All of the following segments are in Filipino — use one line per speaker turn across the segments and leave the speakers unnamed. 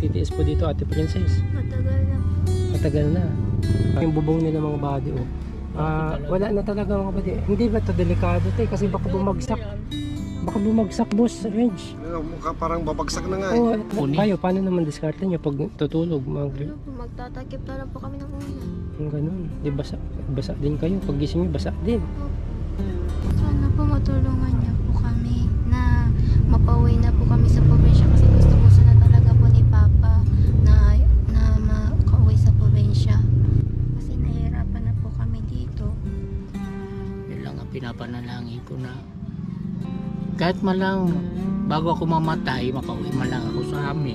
nagtitiis po dito, Ate Princess?
Matagal na po.
Matagal na. Yung bubong nila mga buddy, oh. Wala na talaga mga buddy. Hindi ba ito delikado tayo? Kasi baka bumagsak. Baka bumagsak, boss, Reg.
Mukha parang babagsak na nga eh.
Oh, kayo, paano naman diskarte nyo pag tutulog?
Ano po, magtatakip na lang po kami ng ulan.
Yung ganun. Di basa din kayo. Pag gising nyo, basa din.
Sana po matulungan niyo po kami na mapauwi na po kami sa probinsya kasi gusto po sana talaga po ni Papa na makauwi sa probinsya. Kasi nahihirapan na po kami dito.
Yun lang ang pinapanalangin ko na kahit malang bago ako mamatay, makauwi man lang ako sa amin.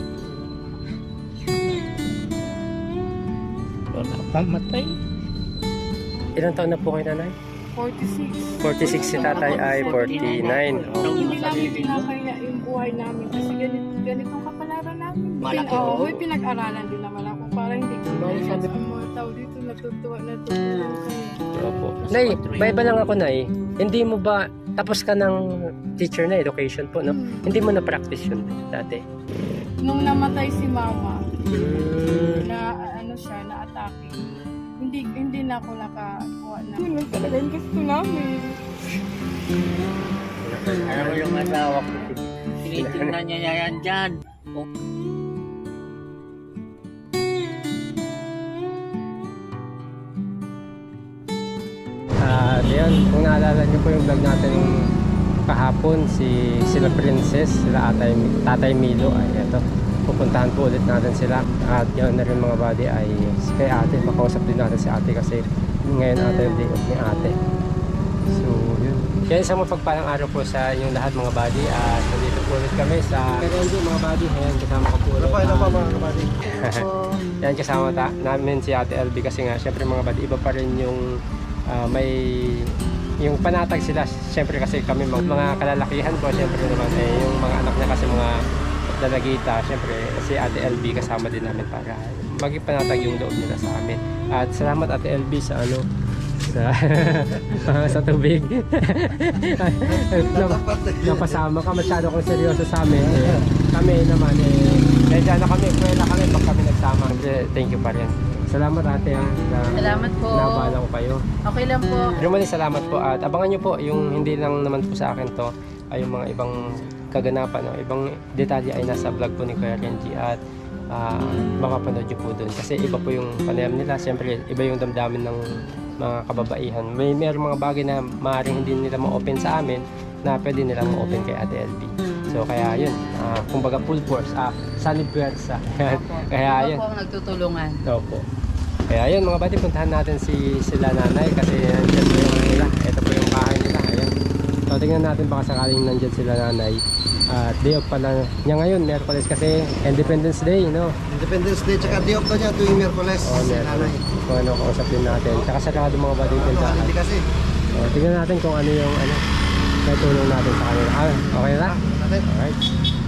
Wala pa matay.
Ilang taon na po kayo, nanay?
46.
46, si tatay ay 49.
Hindi namin pinakaya yung buhay namin kasi ganitong kapalaran namin.
Malaki
Oo,
po.
may pinag-aralan din naman ako para hindi ko
Sabi
ang mga tao dito natutuwa kami.
Opo. Nay, may iba lang ako, Nay. Hindi mo ba, tapos ka ng teacher na, education po, no? Hindi mo na-practice yun dati?
Nung namatay si Mama,
Hmm.
na ano siya, na-atake, hindi na ako nakakuha na. Yun lang talaga yung gusto namin.
Alam mo yung asawa ko, tinitingnan niya yan dyan.
Ayan, kung naalala niyo po yung vlog natin kahapon, sila Princess, sila Tatay Milo, ay eto, pupuntahan po ulit natin sila. At yun na rin mga buddy ay kay ate, makausap din natin si ate kasi ngayon ate yung day off ni ate. So yun. Kaya isang mapagpalang araw po sa inyong lahat mga buddy, at nandito po ulit kami sa Merendio mga buddy. Ayan, kasama ko po ulit.
Ano pa mga kabady?
Yan, kasama namin si Ate LB kasi nga syempre mga buddy, iba pa rin yung may yung panatag sila syempre kasi kami mga kalalakihan po syempre naman yung mga anak niya kasi mga dalagita syempre si Ate LB kasama din namin para maging panatag yung loob nila sa amin. At salamat Ate LB sa sa tubig. Napasama ka, masyado kang seryoso sa amin. Kami naman medyo na kami, kwela kami pag kami nagsama. Thank you pa rin. Salamat ate
Salamat po.
Nabala ko kayo.
Okay lang po.
Pero mali salamat po at abangan nyo po yung hindi lang naman po sa akin to ay yung mga ibang kaganapan, no? Ibang detalye ay nasa vlog po ni Kuya Renji at makapanood nyo po doon kasi iba po yung panayam nila. Siyempre iba yung damdamin ng mga kababaihan. Mayroong mga bagay na maaaring hindi nila ma-open sa amin na pwede nilang ma-open kay Ate LB. So kaya yun, kumbaga full force, solid puwersa. Kaya yun.
Ako ang nagtutulungan.
Opo. Kaya yun mga buddy, puntahan natin sila nanay kasi nandyan po yung nila. Ito po yung bahay nila. Ayan. So tingnan natin baka sakaling nandyan sila nanay. At day off pala niya ngayon, Miyerkules kasi Independence Day, no?
Independence Day tsaka day off daw niya tuwing Miyerkules.
Oh,
Nanay.
kung ano, kausap din natin. Tsaka sarado mga buddy yung pintahan.
Hindi kasi.
Tingnan natin kung ano yung natulong natin sa kanila. Okay na?
Natin.
Alright.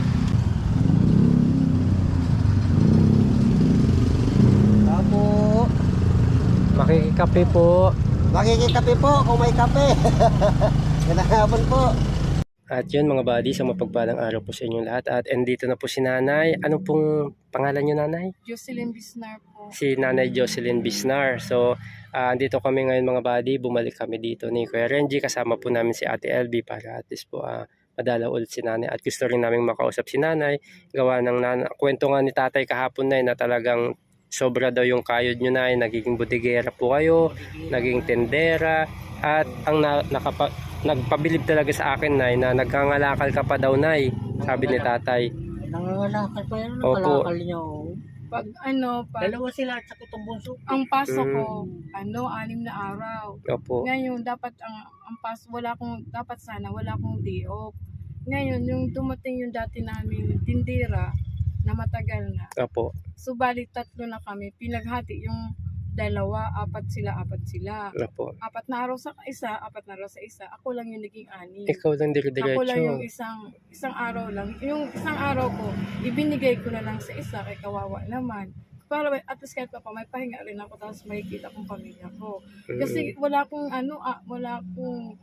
Apo.
Makikikape po.
Makikikape po kung may kape. Ganahapon po.
At yun mga buddy, sa mapagpalang araw po sa inyong lahat. At andito na po si nanay. Ano pong pangalan niyo nanay?
Jocelyn Bisnar po.
Si nanay Jocelyn Bisnar. So, andito kami ngayon mga buddy. Bumalik kami dito ni Kuya Renji. Kasama po namin si Ate LB para at least po madala ulit si nanay. At gusto rin namin makausap si nanay. Gawa ng kwento nga ni tatay kahapon na talagang sobra daw yung kayod nyo na. Nagiging budigera po kayo. Naging tendera. At ang nagpabilib talaga sa akin na nagkangalakal ka pa daw nay, sabi ni tatay.
Nangangalakal pa yan,
Opo.
nakalakal niya. Oh.
Pag
Dalawa sila at saka itong bunso.
ang paso ko, 6 na araw.
Opo.
Ngayon, dapat ang paso, wala akong day off. Ngayon, yung dumating yung dati namin tindera na matagal na.
Opo.
So, bali 3 na kami. Pinaghati yung 2, 4 sila.
Opo.
4 na araw sa isa, 4 na araw sa isa. Ako lang yung naging 6.
Ikaw lang
Ako lang yung
dire-diretso.
isang araw lang. Yung isang araw ko, ibinigay ko na lang sa isa kay kawawa naman. Para at least kahit pa may pahinga rin ako tapos makikita kong pamilya ko. Kasi wala akong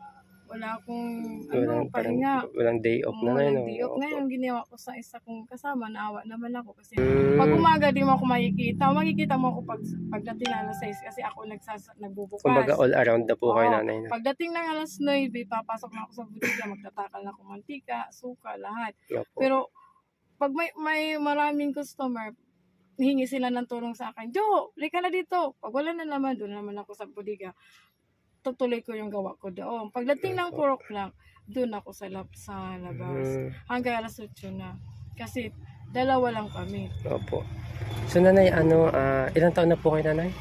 wala akong
Walang, parang,
pahinga.
walang day off na
Walang
no?
day off.
Opo.
Ngayon, ginawa ko sa isa kong kasama, naawa naman ako kasi
Mm.
pag umaga di mo ako makikita mo ako pagdating ng alas 6 kasi ako nagbubukas.
Kumbaga all around na po kayo
Oo.
nanay. No?
Pagdating ng alas 9, papasok na ako sa butika, magtatakal na ako mantika, suka, lahat.
Opo.
Pero pag may maraming customer, hingi sila ng tulong sa akin. Jo, lika na dito. Pag wala na naman, doon naman ako sa bodega. Tutuloy ko yung gawa ko doon. Pagdating ng 4 o'clock, doon ako sa labas.
Mm.
Hanggang alas 8 na. Kasi dalawa lang kami.
Opo. So nanay, ilang taon na po kayo nanay?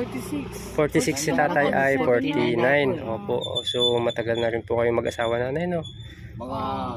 46.
46 si tatay ay 49. Opo. So matagal na rin po kayo mag-asawa nanay no?
Mga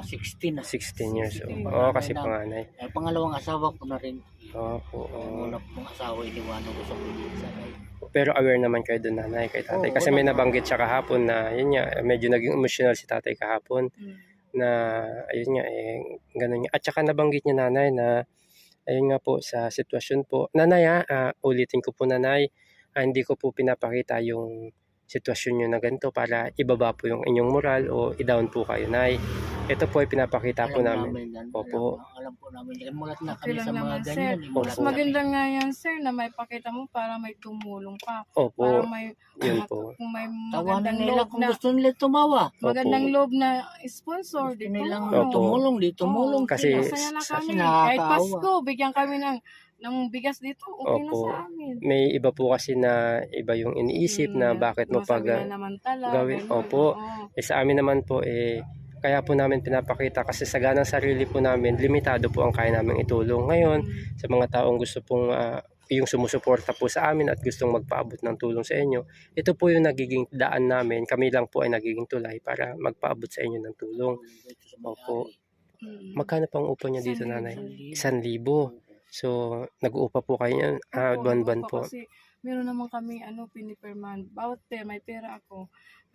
16 na.
16 years old.
16.
Oo, kasi panganay.
Pangalawang asawa ko na rin.
Opo.
Ang una kong asawa, iniwanan ko sa probinsya.
Pero aware naman kayo doon nanay kay tatay.
Oo,
Kasi may
wala.
nabanggit siya kahapon na yun nga, medyo naging emotional si tatay kahapon. Na ayun nga ganun nga. At saka nabanggit niya nanay na ayun nga po sa sitwasyon po. Nanay ulitin ko po nanay, hindi ko po pinapakita yung sitwasyon nyo na ganito para ibaba po yung inyong moral o i-down po kayo nay. Ito po ay pinapakita po namin.
yan.
Opo.
Alam po namin. Yan, mulat na
Okay
kami
lang
sa mga
naman, sir.
ganyan.
Opo.
Mas maganda nga yan, sir, na may pakita mo para may tumulong pa. Para
Opo.
may,
Yun po.
kung may
Tawanan
magandang
nila
loob
kung
na,
gusto nila tumawa.
magandang loob na sponsor,
Gusto
di
nilang
tumulong.
Opo.
tumulong, di tumulong.
Kasi-
Masaya na
sa-
kami.
kasi nakakaawa.
Kahit Pasko, bigyan kami ng bigas dito. Okay na
Opo.
sa amin.
May iba po kasi na iba yung iniisip na bakit mo pag
naman tala,
gawin.
ganun.
Opo.
Oo.
sa amin naman po kaya po namin pinapakita kasi sa ganang sarili po namin, limitado po ang kaya namin itulong. Ngayon, sa mga taong gusto pong yung sumusuporta po sa amin at gustong magpaabot ng tulong sa inyo, ito po yung nagiging daan namin. Kami lang po ay nagiging tulay para magpaabot sa inyo ng tulong. Opo.
Mm.
Magkano pang upo niya dito,
Isang
nanay?
libo.
1,000. So, nag-uupa po kayo niyan.
Opo,
Buwan-buwan
opo,
po.
Kasi meron naman kami piniperman. Bawat may pera ako.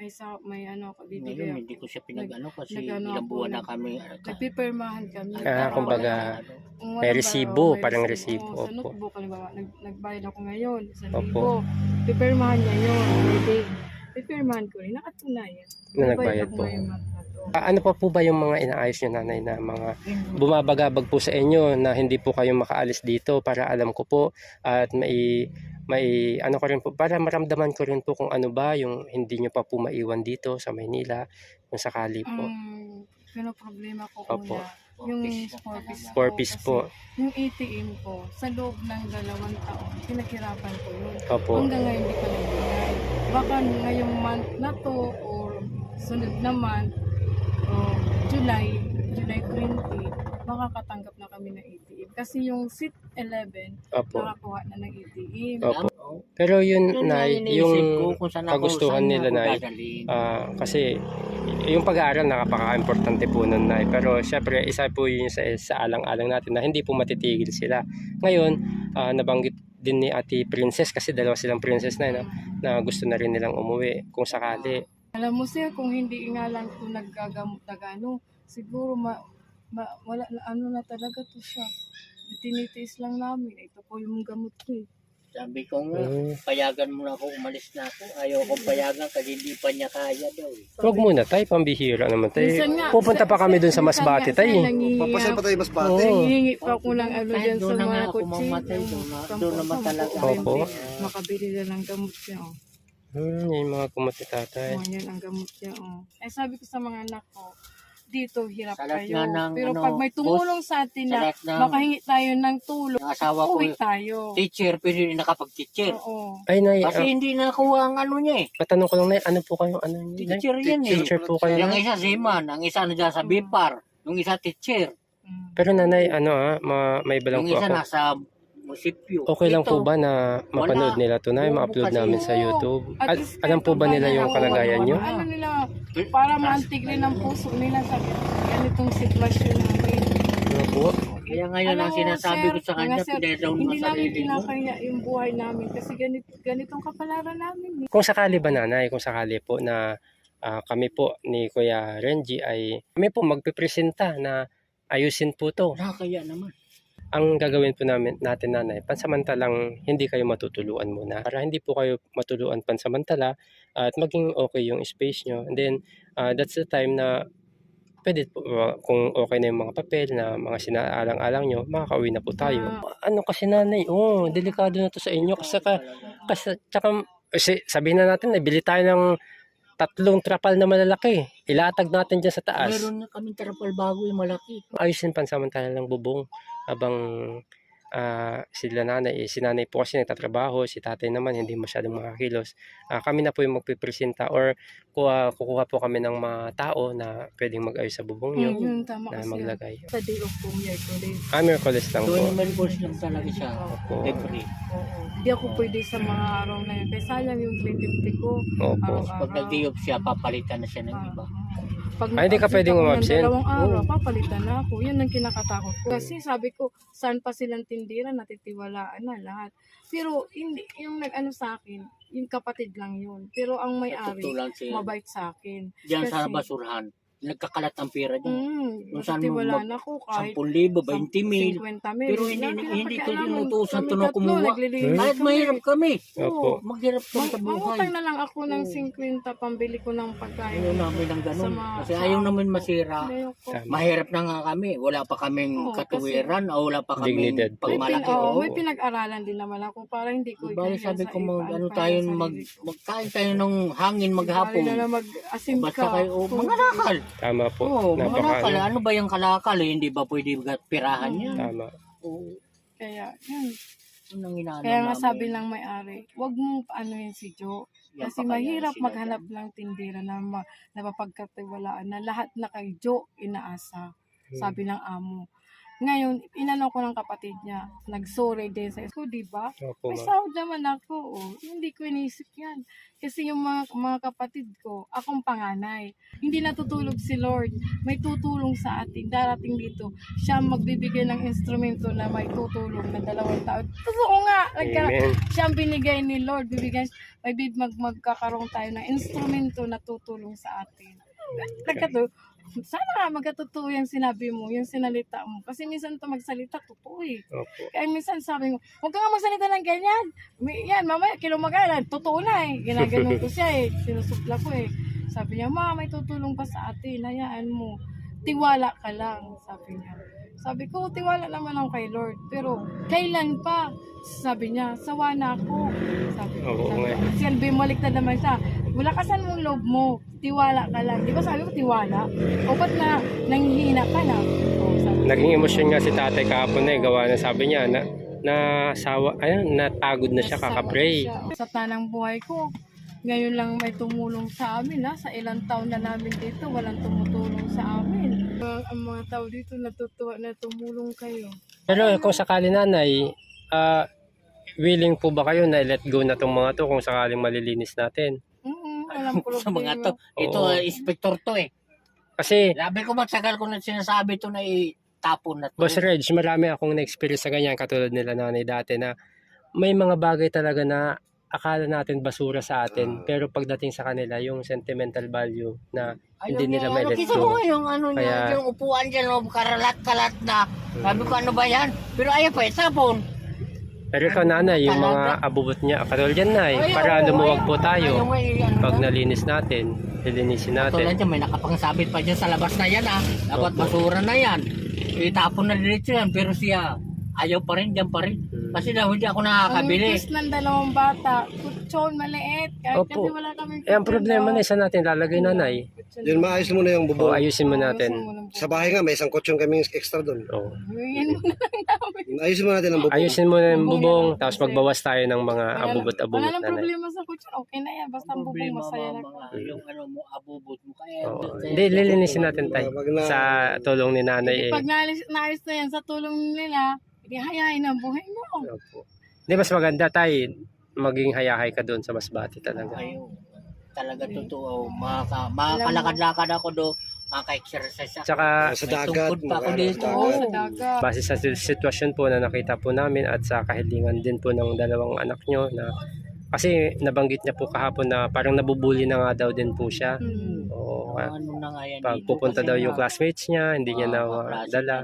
May ako,
Ngayon,
bibigay
hindi
ako.
ko siya pinag-ano kasi
nag-ano
ilang
ako,
buwan na kami.
Nagpipirmahan kami.
kumbaga,
Kung
may
walang
resibo,
may
parang
resibo.
resibo,
Oo, Sa
opo.
notebook, halimbawa, nagbayad ako ngayon, 1,000.
Opo.
Pipirmahan niya yun. Pwede. Pipirmahan ko rin. Nakatunayan.
Na nagbayad
ako
po.
ngayong month na to.
Ano pa po ba yung mga inaayos nyo, nanay, na mga bumabagabag po sa inyo na hindi po kayo makaalis dito para alam ko po at may ano ko rin po para maramdaman ko rin po kung ano ba yung hindi nyo pa po maiwan dito sa Maynila kung sakali po.
Pero problema ko
Opo.
una, yung 4-piece
4-piece
kasi
po.
Yung ATM ko, sa loob ng 2 taon, pinaghirapan ko yun.
Opo.
Hanggang ngayon hindi pa nagbigay. Baka ngayong month na to or sunod na month, o July 20, makakatanggap na kami ng ATM. Kasi yung seat 11,
Opo.
nakakuha na ng ATM.
Opo. Pero yun, nay, yung kagustuhan nila, nay, kasi yung pag-aaral napaka-importante po nun, nay. Pero syempre, isa po yun sa alang-alang natin na hindi po matitigil sila. Ngayon, nabanggit din ni Ate Princess kasi dalawa silang princess na, na gusto na rin nilang umuwi kung sakali.
Alam mo sir, kung hindi nga lang ito naggagamot na gano'n, siguro wala na talaga to siya. Tinitiis lang namin. Ito po yung gamot ko eh.
Sabi ko nga, payagan mo na ako, umalis na ako. Ayaw kong payagan kasi hindi pa niya kaya daw.
Huwag muna tayo, pambihira naman tayo.
Minsan nga,
Pupunta pa kami dun sa Masbate tayo.
Papasal pa tayo mas bate.
Oo.
Nangihingi pa ako ng ano
Kahit
dyan sa
doon na nga
mga
ako
kutsi.
mamatay, doon naman talaga.
Opo.
Makabili na ng gamot niya. Oh.
Yung mga kumati tatay.
Oh, yan ang gamot niya. Oh. Eh sabi ko sa mga anak ko, dito hirap
Salat
kayo.
nga ng,
Pero
ano,
pag may tumulong sa atin na
Salat ng
makahingi tayo ng tulong,
ng asawa ko,
uwi tayo.
teacher, pero hindi nakapag-teacher.
Oo.
Ay, nay,
Kasi hindi nakuha ang ano niya eh.
matanong ko lang, nay, ano po kayong ano niyo, nay?
Teacher yan eh.
Teacher po kayo,
Yung
nay?
isa seaman, ang isa na dyan sa BIPAR, yung isa teacher,
Mm.
Pero nanay, may balang
yung
po
isa
ako.
nasa munisipyo.
Okay lang po
Ito,
ba na mapanood nila to, nay? Ma-upload
Kasi-
namin sa YouTube?
At
At
least
alam po ba nila yung kalagayan nyo?
Ano nila, para maantig rin ang puso nila sa ganitong sitwasyon namin.
Ano po?
Kaya ngayon
Alam
ang
mo,
sinasabi
sir,
ko sa kanya,
mga sir,
pinadown mo
hindi namin
sarili mo.
kinakaya yung buhay namin kasi ganitong kapalaran namin. Eh.
Kung sakali ba, nanay, kung sakali po na kami po ni Kuya Renji ay kami po magpipresenta na ayusin po to.
Kaya naman.
ang gagawin po natin nanay, pansamantalang hindi kayo matutuluan muna para hindi po kayo matuluan pansamantala at maging okay yung space nyo. And then, that's the time na pwede po, kung okay na yung mga papel na mga sinaalang-alang nyo, makakauwi na po tayo. Ano kasi nanay, delikado na to sa inyo kasi tsaka, sabihin na natin, bili tayo ng 3 trapal na malalaki. Ilatag natin dyan sa taas.
Meron na kaming trapal bago yung malaki.
Ayusin pansamantala lang bubong habang sila nanay, si nanay po kasi nagtatrabaho, si tatay naman hindi masyadong makakilos. Kami na po yung magpipresenta or kukuha po kami ng mga tao na pwedeng mag-ayos sa bubong nyo
Yun, tama
na
kasi.
maglagay.
Sa day of po, Miyerkules.
Miraculous lang
So,
po.
numerous lang talaga siya.
Opo.
Every.
Oo. Hindi ako pwede sa mga araw na yun. Kaya sayang yung 350 ko.
Opo.
Pag nag-day-off siya, papalitan na siya ng iba.
Pag
Hindi ka
nag-absent
pwedeng
ako ng
umabsent?
2 araw, papalitan na ako. Yan ang kinakatakot ko. Kasi sabi ko, saan pa silang tindira, natitiwalaan na lahat. Pero hindi, yung nag-ano sa akin, yung kapatid lang yun. Pero ang may-ari,
Tutulan siya.
mabait sa akin.
Diyan sa
Kasi-
basurahan. Nagkakalat ang pera dyan. Kung saan
Natitiwalaan ako kahit
10,000, 20,000.
50,000.
Pero hindi ko tinutusan to
Kami
na
tatlo,
kumuha.
naglilinis
Kahit
kami.
mahirap kami.
Opo.
Maghirap kami sa
Mangutang
buhay.
na lang ako ng 50 pambili ko ng pagkain.
Ayaw namin ng ganun.
Sa mga-
Kasi ayaw namin masira.
Ayoko.
Tama.
Mahirap na nga kami. Wala pa kaming
Oo,
katuwiran o wala pa kaming
Dignidad po.
pagmalaki. Oo.
May pinag-aralan din naman ako para hindi ko
Bali
iganyan
sabi
sa
ko
iba,
ano
para
tayo
sa sarili ko.
magkain tayo ng hangin
Bali
maghapon.
na lang mag-asim
Basta
ka.
kayo mga nakal.
Tama po.
Oo, mga
Napaka
nakal. Ano ba yung kalakal? Hindi ba pwede pirahan yan?
Tama.
Oo.
Kaya, yun.
Yun ang inaano
Kaya nga
namin.
sabi ng may-ari, wag mo ano yun si Joe.
Yan
Kasi
pa kaya
mahirap
sila
maghanap ng tindera na napapagkatiwalaan na lahat na kay Joe inaasa. Sabi ng amo. Ngayon, inano ko ng kapatid niya. Nag-sorry din sa school, di ba?
Opo,
May
ma'am.
sahod naman ako. Oh. Hindi ko inisip yan. Kasi yung mga kapatid ko, akong panganay. Hindi natutulog si Lord. May tutulong sa atin. Darating dito, siya magbibigay ng instrumento na may tutulong na 2 taon. Totoo nga.
Amen.
Siya ang binigay ni Lord. Magkakaroon tayo ng instrumento na tutulong sa atin. Sana nga magkatotoo yung sinabi mo, yung sinalita mo. Kasi minsan ito magsalita, totoo eh.
Opo.
Kaya minsan sabi mo, huwag ka nga magsalita ng ganyan. Yan, mamaya kilumagalan, totoo na eh. Ginaganon ko siya eh, sinusupla ko eh. Sabi niya, ma, may tutulong pa sa atin, hayaan mo. Tiwala ka lang, sabi niya. Sabi ko, tiwala naman ako kay Lord. Pero, kailan pa? Sabi niya, sawa na ako. Sabi
Oo nga.
Kasi bumalik na naman siya. Bulakasan mong loob mo. Tiwala ka lang. Di ba sabi ko, tiwala? O ba't na nanghihina ka na? O, sabi ko,
Naging emosyon nga si tatay kahapon na gawa na sabi niya na napagod na siya kakapray.
Sa tanang buhay ko, ngayon lang may tumulong sa amin ha. Sa ilang taon na namin dito, walang tumutulong sa amin. Ang mga tao dito natutuwa na tumulong kayo.
Pero kung sakali nanay, willing po ba kayo na let go na tong mga to kung sakaling malilinis natin?
Alam ko
Sa mga to. Ito,
Oo.
inspector to eh.
Kasi,
Labi ko matagal ko na sinasabi to na itapon na to.
Boss Reg, marami akong na-experience sa ganyan katulad nila nanay dati na may mga bagay talaga na akala natin basura sa atin pero pagdating sa kanila yung sentimental value na hindi nila may let
Kita mo
go.
yung ano niya,
Kaya-
yung upuan dyan, karalat-kalat na. Sabi ko, ano ba yan? Pero ayaw pa, itapon.
Pero ikaw nanay, yung mga abubot niya, katulad yan nay, para lumuwag po tayo pag nalinis natin, lilinisin
Tulad
natin.
dyan, may nakapangsabit pa dyan sa labas na yan ah. Dapat
Opo.
basura na yan. Itapon na diretso yan, pero siya, ayaw pa rin, dyan pa rin. Kasi daw hindi ako nakakabili.
Ang request ng 2 bata, kutsyon, maliit. Kahit
Opo.
kasi wala kaming
Eh, ang problema na isa natin lalagay nanay.
Yun, maayos mo na yung
O,
bubong.
ayusin mo natin.
Sa bahay nga, may isang kutsyon kaming extra doon.
O.
Yan mo na lang namin.
Ayusin mo natin ang bubong.
Ayusin mo na yung bubong, tapos magbawas tayo ng mga
Wala
abubot-abubot
nang
nanay.
problema sa kutsyon. Okay na yan. Basta ang bubong masaya na.
Yung ano mo, abubot mo. Kaya,
Oo. Hindi, lilinisin natin tayo sa tulong ni nanay.
Pag naayos na yan sa tulong nila, hindi hayain ang buhay mo.
Opo. Hindi, mas maganda tayo maging hayahay ka doon sa Masbate talaga.
Ayaw. Talaga totoo. Makakalakad-lakad ako do. Maka-exercise ako.
Tsaka
Sa
May
dagat.
tungkod pa ako
magano,
dito.
sa
Oo,
dagat.
sa dagat.
base sa sitwasyon po na nakita po namin at sa kahilingan din po ng 2 anak nyo na kasi nabanggit niya po kahapon na parang nabubuli na nga daw din po siya.
Hmm.
Oo,
Ano na nga yan
pag
dito
pupunta
kasi
daw
nga,
yung classmates niya, hindi niya na
kaklase
dala.
niya.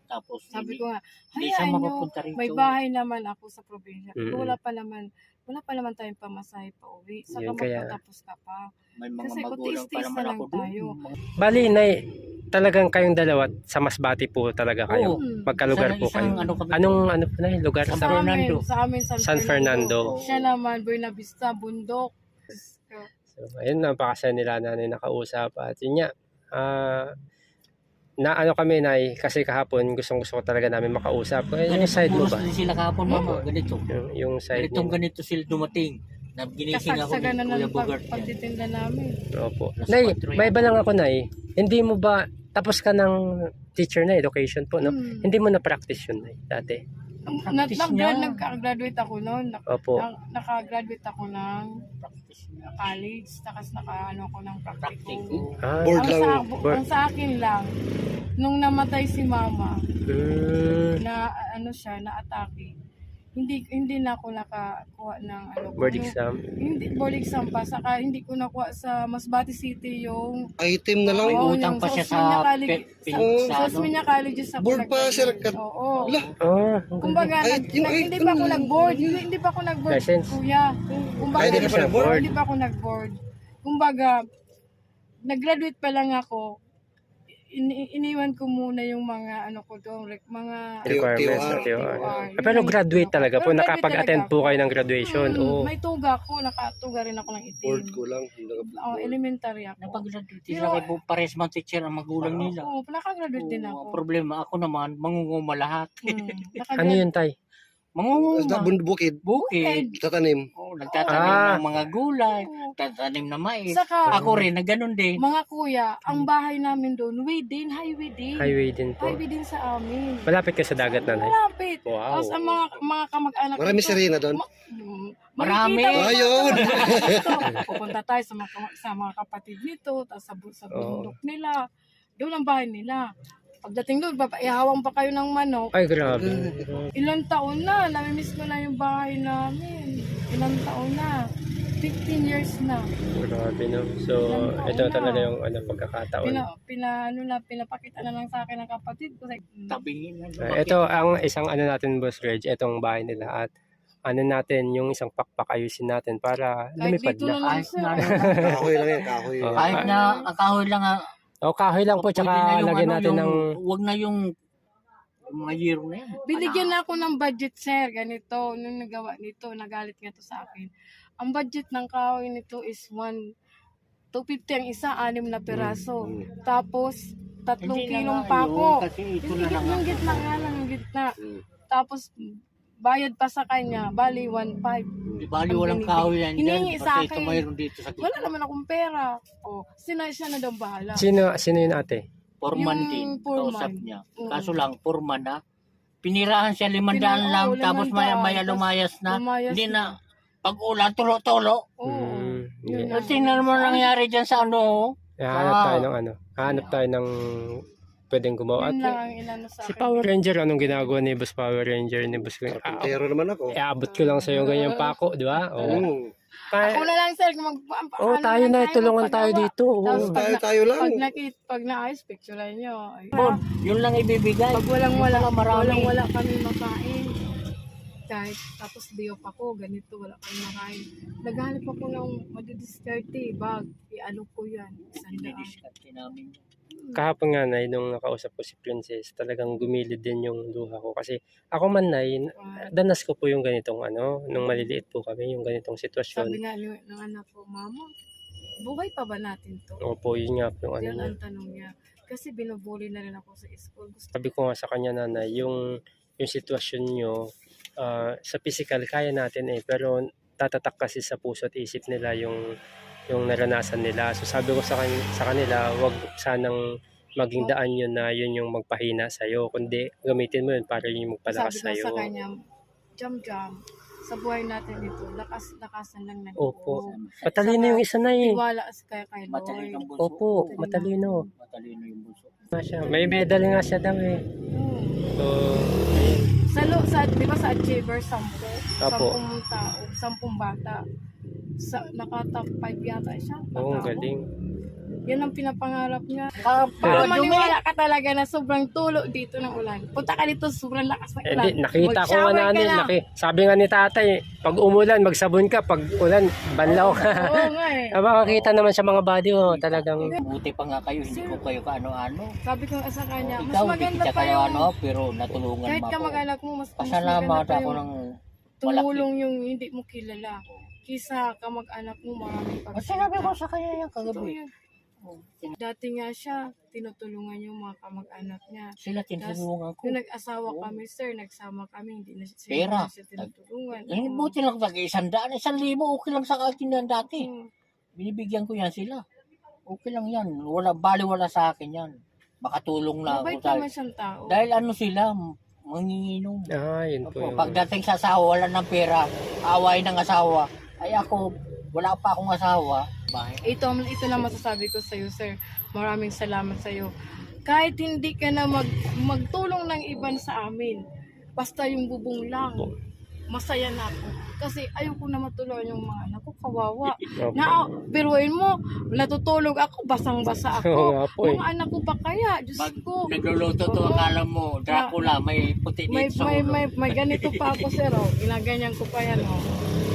tapos
Sabi ko nga,
hindi siya
hayaan nyo,
mapapunta rito.
may bahay naman ako sa probinsya.
Mm.
Wala pa naman tayong pamasahe pa uwi. Saka
Yun kaya.
magpatapos ka pa.
May mga
Kasi kung
magulang pa
tiis-tiis
naman
na
ako
lang tayo.
doon.
Bali, Nay, talagang kayong dalawa sa Masbate po talaga kayo.
Oo.
Magkalugar po kayo.
Ano kami,
Anong ano po na lugar?
San
Sa
Fernando.
Sa amin,
San Fernando.
Siya naman, Buena Vista, Bundok.
So, ayun, napakasaya nila na nakausap. At yun nga, na ano kami, Nay, kasi kahapon gustong gusto ko talaga namin makausap. Yung side mo ba?
Puros din sila kahapon, mama, ganito.
Yung side
Ganitong
niyo.
ganito sila dumating. Na ginising ako ni
Kasagsagan na
Kuya
ng
Bogart.
pagtitinda namin.
Opo.
Nasa
Nay,
patro yan.
may iba lang ako, Nay. Hindi mo ba, tapos ka ng teacher na education po, no?
Hmm.
Hindi mo na-practice yun, Nay, dati?
Practice niya.
Nagka-graduate ako noon.
Opo.
Naka-graduate ako ng
Practice niya.
college. Tapos naka-ano ako ng practical.
Practical.
Ah,
Board lang.
Ang sa akin lang, nung namatay si mama, na ano siya, na atake, hindi na ako nakakuha ng ano.
board
yung-
exam.
Hindi, board exam pa. Saka hindi ko nakuha sa Masbate City yung
Item na lang.
May
Oo,
utang
yung
sa
Osmeña College.
sa ano.
Osmeña College sa
Board pa, sir.
Oo.
Oh,
Kumbaga,
Ay,
hindi pa ako nag-board. Hindi pa ako nag-board,
License.
kuya. Kumbaga,
Ay, hindi ka pa nag-board?
Hindi pa ako nag-board. Kumbaga, nag-graduate pa lang ako. Iniwan ko muna yung mga ano ko doon, mga
requirements
TOR.
at TOR.
TOR.
Pero graduate talaga po,
Pero graduate
nakapag-attend
talaga
po
ako.
kayo ng graduation. Oo.
May tuga ako, nakatuga rin ako ng itim.
Board ko lang.
Elementary ako.
Napag-graduate
Pero-
sila kay pares man teacher ang magulang nila.
Oo, nakagraduate din
Oo,
ako.
ang problema ako naman, mangunguma lahat.
Ano yun, Tay?
Basta
Mangunguma.
bukid.
Bukid.
Tatanim.
Oh, nagtatanim
Ah.
ng mga gulay,
Oo.
nagtatanim na mais.
Saka,
Ako rin, na ganun din.
mga kuya, ang bahay namin doon, highway din.
Highway din po.
Highway din sa amin.
Malapit ka sa dagat, Nanay.
Malapit.
Wow.
Tapos ang mga kamag-anak
Marami
dito,
sirena doon.
Marami.
makikita mo
Ayun.
dito. Pupunta tayo sa mga kapatid nito, tapos sa bundok nila. Doon ang bahay nila. Pagdating doon, ihawang pa kayo ng manok.
Ay, grabe.
Ilang taon na, namimiss ko na yung bahay namin. Ilang taon na. 15 years na.
Grabe, no? So, ito talaga yung pagkakataon.
Pinapakita na lang sa akin ng kapatid ko.
Tabingin na.
Ito ang isang natin, Boss Reg, itong bahay nila. At natin, yung isang pakpak ayusin natin para
Kahit
lumipad
dito na
na.
lang
Kahit
sir.
na,
Kahoy lang yan, kahoy.
Oh.
kahit na ang kahoy lang,
O, kahoy lang po,
pwede na
tsaka
yung
lagyan
ano,
natin ng...
wag na yung mga year na yan.
Binigyan na ako ng budget, sir. Ganito, nung nagawa nito, nagalit nga to sa akin. Ang budget ng kahoy nito is 250 ang isa, 6 na peraso. Tapos, 3
Hindi na
kilong
nga
pako.
yun, kasi ito na lang.
Yung gitna nga lang, yung gitna. Tapos, bayad pa sa kanya, bali 1.5.
Di bali
Ang
walang
binibig.
kahoy yan dyan.
Hiningi sa
Kasi ito
akin.
mayroon dito sa
Wala
gitna.
naman akong pera. O, siya na daw bahala.
Sino yun, ate?
Foreman
Yung
din.
foreman.
Kausap niya.
Oo.
Kaso lang, foreman na. Pinirahan siya 500 lang.
Oo,
Tapos
500.
maya lumayas na.
Lumayas
Hindi na. Pag ulan, tulo-tulo.
Oo. Yun
yeah.
na.
Tingnan mo nangyari dyan sa ano.
Hanap tayo ng hanap tayo ng pwedeng gumawa.
Yun lang
At
ang inano sa
si
akin.
Power Ranger, anong ginagawa ni Boss Power Ranger? Ni Boss
Pero naman ako.
Abot ko lang sa iyo ganyang pako, di ba? Oo.
Ako na lang, sir.
Oh, tayo na, tulungan tayo dito.
Tapos
Oo.
Tayo lang.
pag naayos, picturean nyo. Ay,
Yun lang ibibigay.
Pag walang-wala,
Marami.
walang-wala kami makain. Kahit tapos biyop ako, ganito, wala kami makain. Naghanap ako ng madidiskarte, bag. I-ano ko yan. Sandaan.
Dinidiskarte namin.
Kahapon nga, Nay, nung nakausap ko si Princess, talagang gumilid din yung luha ko. Kasi ako man, Nay, danas ko po yung ganitong nung maliliit po kami, yung ganitong sitwasyon.
Sabi nga ng anak ko, Mama, buhay pa ba natin to?
Opo, yun nga po yung
Yan
niya.
ang tanong niya. Kasi binubuli na rin ako sa school. Gusto
Sabi ko nga sa kanya, Nanay, yung sitwasyon nyo, sa physical, kaya natin pero tatatak kasi sa puso at isip nila yung naranasan nila. So sabi ko sa kanila, wag sanang maging daan yun na yun yung magpahina sa'yo, kundi gamitin mo yun para yun yung magpalakas
sabi ko
sa'yo.
sa kanya, Jam, sa buhay natin ito, lakasan lang ng
Opo.
loob.
Matalino yung isa na eh.
Tiwala kay
Matalino
Lord.
ang bunso.
Opo, matalino.
Matalino yung bunso.
May medal nga siya daw eh. So,
Di ba sa Achiever, 10
Apo.
tao, 10 bata. Nakatap 5 yata siya.
oo,
Tao.
galing.
Yan ang pinapangarap niya.
Pero
Para maniwala ka talaga na sobrang tulo dito ng ulan. Punta ka dito, sobrang lakas ng ulan.
Hindi, nakita ko nga
Mag-shower ka
nanin,
lang.
sabi nga ni tatay, pag umulan, magsabon ka, pag ulan, banlaw ka.
Oo nga eh.
Makakita naman sa mga body, talagang,
buti pa nga kayo, hindi ko kayo kaano-ano.
Sabi ko sa kanya, mas
Ikaw, hindi
maganda
kita
pa
kayo
yung
ano, pero natulungan
kahit
mo ako.
kamag-anak mo, mas
Pasalamat
maganda pa
ako
yung
ng malaki.
tumulong yung hindi mo kilala. Kisa kamag-anak mo, maraming
At sinabi ko sa kanya yan
Totoo
kagabi.
yan. Dati nga siya, tinutulungan yung mga kamag-anak niya.
Sila tinulungan ko.
Nung nag-asawa kami, sir, nagsama kami, hindi na siya,
Pera.
hindi na siya tinutulungan.
Eh, buti lang pag 100, 1,000, okay lang sa akin yan dati.
Oo.
Binibigyan ko yan sila. Okay lang yan. Wala sa akin yan. Baka tulong na ako.
Mabait
Dahil,
naman siyang tao.
dahil ano sila, manginginom.
yun po yung,
Pagdating sa asawa, wala ng pera, away ng asawa. Ay ako, wala pa akong asawa. Bahay.
Ito na masasabi ko sa iyo, sir. Maraming salamat sa iyo. Kahit hindi ka na magtulong ng iban sa amin, basta yung bubong lang, masaya na ako. Kasi ayoko na matulungan yung mga anak ko, kawawa.
Opo.
Biruin mo, natutulog ako, basang-basa
Oo
ako.
nga po eh.
Mga anak ko pa kaya, Diyos ko.
Nagluluto to,
Oo.
akala mo, Dracula, may puti
May,
dito sa
may,
ulo.
may ganito pa ako, sir. Oh. Ginaganyan ko pa yan. Oh.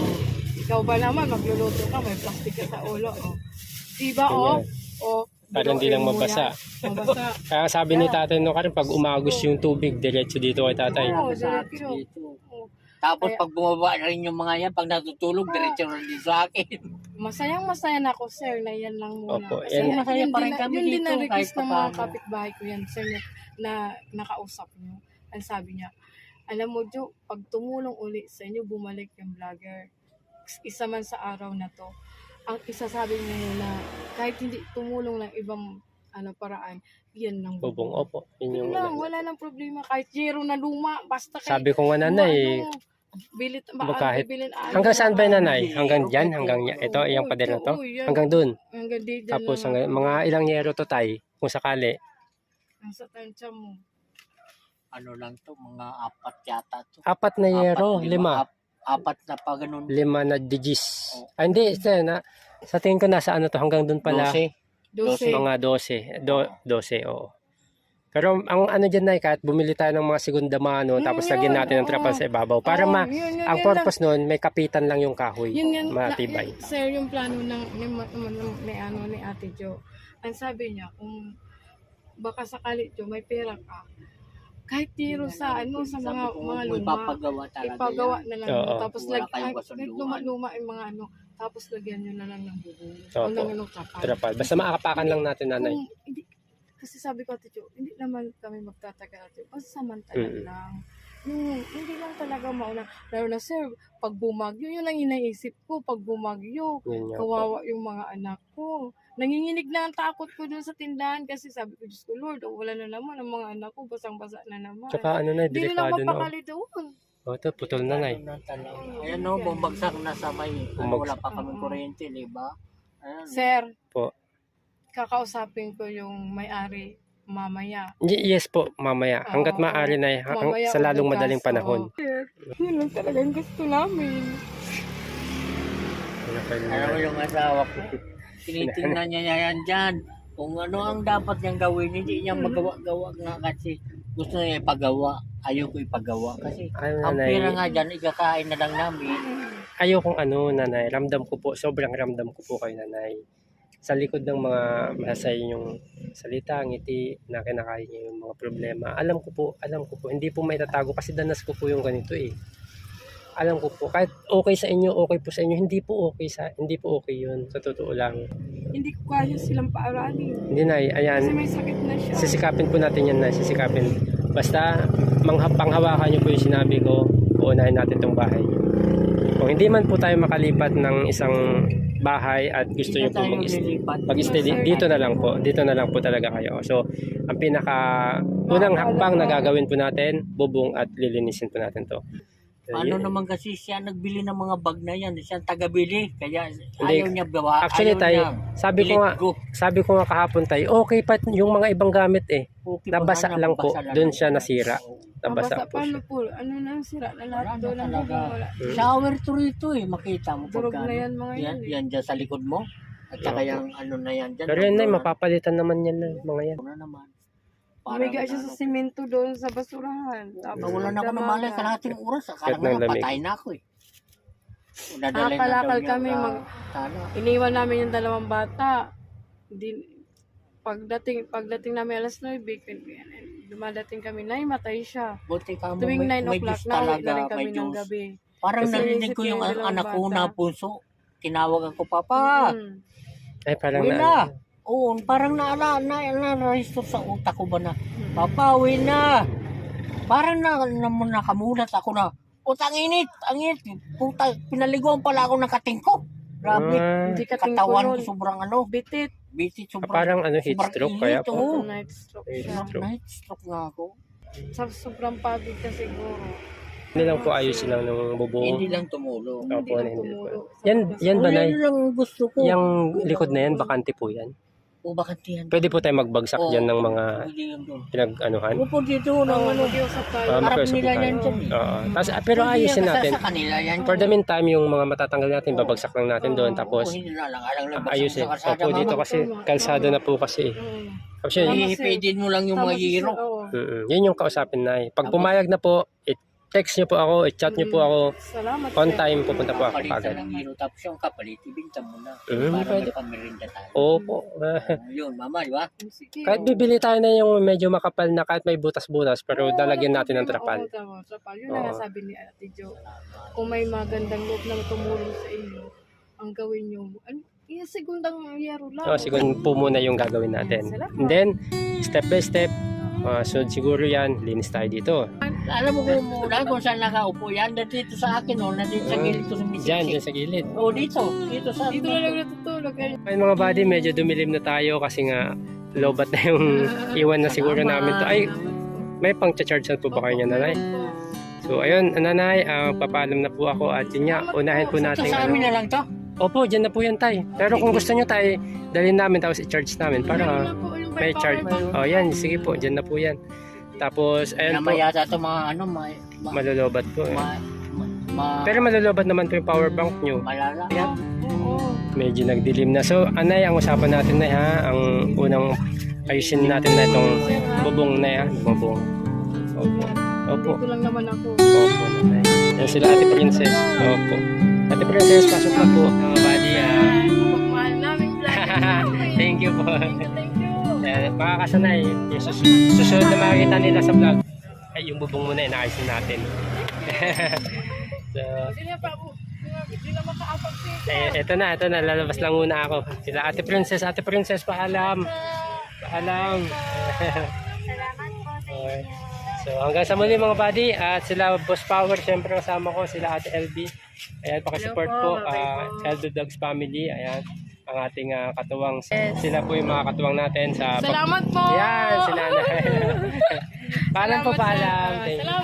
Ikaw ba naman, magluluto ka, may plastic ka sa ulo. Oh. Diba, oh? Oh,
Para hindi lang
biruin mo
mabasa.
yan. Mabasa.
Kaya sabi ni tatay no Karin, pag umagos yung tubig, diretso dito kay tatay.
Oo,
Sa
diretso.
akin dito.
Oh.
Tapos
Kaya-
pag bumaba na rin yung mga yan, pag natutulog, diretso rin din sa akin.
Masayang-masaya na ako, sir, na yan lang muna.
Opo,
Kasi
yan.
Masaya
yun
pa
din
rin
na-
kami
yun din
dito,
na request
kahit
ng mga
papaano.
kapitbahay ko yan, sir, na nakausap niyo. Ang sabi niya, alam mo, Jo, pag tumulong uli sa inyo, bumalik yung vlogger. Isa man sa araw na to. Ang isasabi niyo muna, kahit hindi tumulong ng ibang paraan, yan lang.
Bubong, opo. Yun yung,
Yun lang, wala nang problema. Kahit zero na luma, basta
sabi ko nga nanay,
bilit,
kahit- hanggang saan ba yung nanay? Hanggang dyan? Hanggang ito, yung pader na to? Hanggang dun.
Hanggang dito
Tapos
lang.
hanggang, mga ilang yero to tay, kung sakali.
Nasa tansya mo.
Ano lang to, mga 4 yata to.
4 na yero, 5.
4 na pa ganun.
5 na digis. Hindi, sa tingin ko nasa ano to, hanggang dun pala.
12.
12.
Mga 12, oo. Pero ang ano dyan na, kahit bumili tayo ng mga segunda mano, tapos
Yun,
lagyan natin ng
oo.
trapal sa ibabaw.
Oo,
Para ang
yun
purpose nun, may kapitan lang yung kahoy.
Yun,
Matibay.
sir, yung plano ni Ate Jo. Ang sabi niya, kung baka sakali Jo, may pera ka, kahit tiro sa sa mga luma,
Ipapagawa talaga
ipagawa
yan.
na lang.
Oo.
Tapos
Wala kayong
kahit
kasunduan.
luma-luma yung mga tapos lagyan nyo na lang ng bubong. O
Opo.
ng trapal.
Trapal. Basta maakapakan lang natin, nanay.
Kung hindi, kasi sabi ko, Ate Jo, hindi naman kami magtatagal, Ate Jo. Basta samantala lang. Hindi lang talaga mauna. Lalo na, sir, pag bumagyo, yun ang inaisip ko. Pag bumagyo,
Yun nga po.
kawawa yung mga anak ko. Nanginginig na ang takot ko dun sa tindahan kasi sabi ko, Diyos ko, Lord, wala na naman ang mga anak ko, basang-basa na naman.
Tsaka ano na,
Hindi na
delikado na.
mapakali doon.
O, ito, putol na, nay.
Ayan no, bumagsak na sa may, wala
Bumagsak.
pa kaming kuryente, di ba? Ayan.
Sir,
Po.
kakausapin ko yung may-ari mamaya.
Yes po, mamaya. Hanggat
Oo.
maaari na,
Mamaya
sa lalong
bukas,
madaling panahon.
oo. Sir, yun lang talagang gusto namin.
Alam mo yung asawa ko, tinitingnan niya yan dyan. Kung ano ang dapat niyang gawin, hindi niya magawa-gawa nga kasi gusto niya ipagawa. Ayaw ko ipagawa kasi
Ay,
ang
nanay.
pera nga dyan, ikakain na lang namin.
Ayokong nanay, ramdam ko po, sobrang ramdam ko po kayo, nanay. Sa likod ng mga masay yung salita, ngiti, na kinakain niyo yung mga problema. Alam ko po, hindi po may tatago kasi danas ko po yung ganito eh. Alam ko po, kahit okay sa inyo, okay po sa inyo, hindi po okay yun, sa totoo lang.
Hindi ko kaya silang paaralin.
Hindi na,
Kasi
ayan,
may sakit na siya.
sisikapin po natin yan na, sisikapin. Basta, panghawakan niyo po yung sinabi ko, uunahin natin tong bahay niyo. Kung hindi man po tayo makalipat ng isang bahay at gusto niyo po mag-stay dito na lang po talaga kayo. So, ang unang hakbang na gagawin po natin, bubong at lilinisin po natin to.
Ano naman kasi siya nagbili ng mga bag na yan, siya ang tagabili, kaya
Hindi.
ayaw niya bawa.
Actually
ayaw
tayo,
niya.
sabi ko nga kahapon tayo, okay pa yung mga ibang gamit eh.
Okay pa
Nabasa
nga,
lang po,
nabasa lang
doon
yan.
siya nasira. Nabasa
Mabasa
po
paano
siya.
po? Ano na sira na lahat
Wala
doon
na
ang
talaga.
wala.
Shower to rito eh, makita mo
Durog
pagka.
na yan mga yan.
Yan dyan sa likod mo. At saka yung ano na yan dyan.
Pero yun na, mapapalitan naman yan na, mga yan.
Ano naman.
Umiga siya sa simento doon sa basurahan. Tapos
Wala na ako na malay kalahating oras. Akala
Kahit ng
nga
lamig.
patay na ako eh. Dadalhin na
Nakalakal
daw niya
kami,
sa tala.
iniwan namin yung 2 bata. Pagdating namin alas 9, dumadating kami, matay siya.
Buti ka mo,
Tuwing 9
may
o'clock
Diyos
na, uwi
talaga,
na rin kami
may
ng
Diyos.
gabi.
Parang
Kasi
narinig
inisip
ko yung
yung
anak ko
dalawang
na
bata.
punso. Tinawag ako, Papa.
Mm.
Ay, parang
Uwi
na.
na. Oo, parang na-register sa utak ko ba na, Papa, uwi na. Parang nakamulat ako na, ang init. Puta, pinaliguan pala ako ng kating ko. Grabe.
Hindi ka
Katawan ko
tingko
sobrang
bitit.
bitit, sobrang.
Parang heat
sobrang
stroke
init,
kaya po.
oo.
Night stroke
Heat
siya.
stroke.
Night stroke nga ako.
Sa sobrang pagod ka siguro.
Hindi lang po ayusin lang ng bubong.
Hindi lang tumulong.
Opo,
lang
hindi
tumulong.
po. Yan ba, Nay?
Yan lang gusto ko.
Yung likod na yan, bakante po yan.
O bakit yan?
Pwede po tayo magbagsak
Oo,
dyan ng mga
pwede yan doon.
pinag-anuhan.
Upo dito ng
Oo,
ano.
mag-iusap tayo.
Ah,
Harap
magkausap
nila
tayo.
yan dyan eh.
Oo. Pero
Hindi
ayusin
yan
natin.
Sa kanila yan.
For the meantime, yung mga matatanggal natin, babagsak lang natin doon. Tapos,
Oo, hindi na lang. Alang lang
ayusin.
sa kalsada,
Opo, dito
mama.
kasi, kalsada na po kasi.
Mm.
Tapos yun,
Tama.
Ihipidin mo lang yung mga hero.
yun yung kausapin na. Pag pumayag na po, text nyo po ako, i-chat nyo po ako.
Salamat.
On
sir.
time, pupunta po ako
Palitan
kagad.
ng hero. Tapos yung kapalit, ibinta mo na.
Mm,
Para
pwede.
may pamirinda tayo.
Opo.
Yun, mama, di ba?
Sige.
Kahit bibili tayo na yung medyo makapal na kahit may butas-butas, pero
Oo,
dalagyan natin ng
oo,
trapal.
tama, trapal. Yun
Oo.
na nga sabi ni Ate Jo. Kung may magandang loob na tumulong sa inyo, ang gawin nyo, segundang yero lang.
So, siguro po muna yung gagawin natin. And then, step by step, sunod siguro yan, linis tayo dito.
Alam mo kung saan nakaupo yan? Dito sa akin, oh. Nandito sa gilid ko sa misik.
Diyan sa gilid.
Oh, dito. Dito sa
Dito na lang natutulog.
Ayun mga buddy, medyo dumilim na tayo kasi nga lobat na yung iwan na siguro namin to. Ay, may pang-charge po ba kayo niya, nanay? So ayun, nanay, papaalam na po ako at yun nga, unahin po
Ito
natin.
sa amin na lang to.
Opo, dyan na po yan tay. Pero kung gusto nyo tay, dalhin namin tapos i-charge namin para may charge. Oh yan, sige po, dyan na po yan. Tapos, ayun po,
Namaya sa ito mga ano,
malolobat po. Eh.
ma-
Pero malolobat naman po yung power bank nyo.
malala.
Oo.
Medyo nagdilim na. So, anay, ang usapan natin na ha, ang unang ayusin natin na itong bubong na yan. Bubong. Opo. Opo.
Dito lang naman ako.
Opo, nanay. Yan sila Ate Princess. Opo. Ate Princess, pasok na po. Mga buddy,
Pagmahal namin vlog.
thank you po.
Thank you.
Makakasanay. Yung susunod na makikita nila sa vlog. Ay, yung bubong muna, inaayusin natin. So,
Hindi na pa ako. Hindi na makaapag siya.
ito na, lalabas lang muna ako. Sila Ate Princess, paalam. Paalam. Okay. So, hanggang sa muli mga buddy, at sila Boss Power, syempre kasama ko, sila Ate LB. Ayan, pakisupport po, LB Dogs Family, ayan, ang ating katuwang. Sila po yung mga katuwang natin sa...
Salamat po.
Yan, sila na. Paalam po,
Salamat,
paalam.
sir.
Thank you.
Salamat.